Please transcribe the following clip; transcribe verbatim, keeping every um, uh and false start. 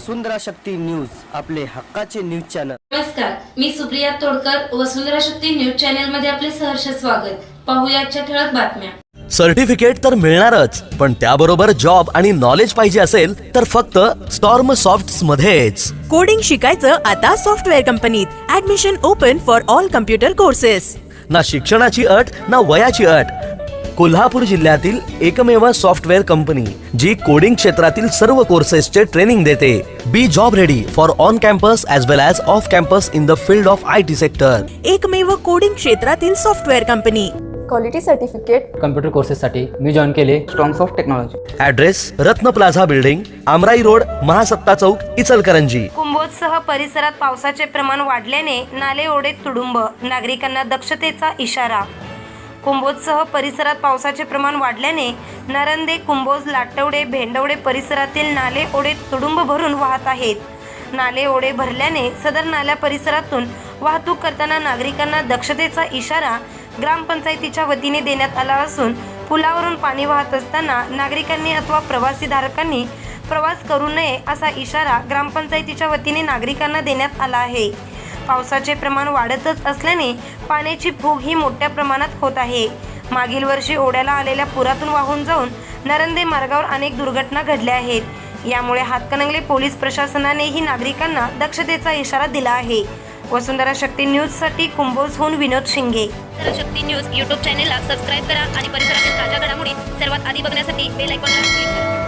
वसुंधरा Shakti news, आपले हक्काचे news channel. नमस्कार, मी सुप्रिया तोडकर, वसुंधरा शक्ती न्यूज चॅनल मध्ये आपले सहर्ष स्वागत। पाहूया आजच्या ठळक बातम्या। सर्टिफिकेट तर मिळणारच, पण त्याबरोबर जॉब आणि नॉलेज पाहिजे असेल तर फक्त स्टॉर्म सॉफ्ट्स मध्येच। कोडिंग शिकायचं आता सॉफ्टवेअर कंपनीत। Admission open for all computer courses. ना शिक्षणाची अट ना वयाची अट। कोल्हापूर जिल्ह्यातील एकमेव सॉफ्टवेअर कंपनी जी कोडिंग क्षेत्रातील सर्व कोर्सेसचे ट्रेनिंग देते। Be job ready for on campus as well as off campus in the field of I T sector. एकमेव कोडिंग क्षेत्रातील software company. Quality certificate computer कोर्सेससाठी मी जॉईन केले strong of technology. Address Ratna plaza building, Amrai road, Mahasatta Chowk, Ichalkaranji. कुंभोजसह परिसरात पावसाचे प्रमाण वाढल्याने नाले ओढे तुडुंब, नागरिकांना दक्षतेचा इशारा। कुंभोजसह परिसरात पावसाचे प्रमाण वाढल्याने नरंदे, कुंभोज, लाटवडे, भेंडवडे परिसरातील नाले ओढे तुडुंब भरून वाहत आहेत। नाले ओढे भरल्याने सदर नाल्या परिसरातून वाहतूक करताना नागरिकांना दक्षतेचा इशारा ग्रामपंचायतीच्या वतीने देण्यात आला असून पुलावरून पाणी वाहत असताना नागरिकांनी अथवा प्रवासीधारकांनी प्रवास करू नये असा इशारा ग्रामपंचायतीच्या वतीने नागरिकांना देण्यात आला आहे। पावसाचे प्रमाण वाढतच असल्याने पाण्याची फूग ही मोठ्या प्रमाणात होत आहे। मागील वर्षी ओढ्याला आलेल्या पुरातून वाहून जाऊन नरंदे मार्गावर अनेक दुर्घटना घडल्या आहेत। यामुळे हातकणंगले पोलीस प्रशासनानेही नागरिकांना दक्षतेचा इशारा दिला आहे। वसुंधरा शक्ती न्यूजसाठी कुंभोजहून विनोद शिंगे। वसुंधरा शक्ती न्यूज यूट्यूब चॅनेलला सबस्क्राईब करा आणि परिसरातील ताज्या घडामोडी सर्वात आधी बघण्यासाठी बेल आयकॉनला क्लिक करा।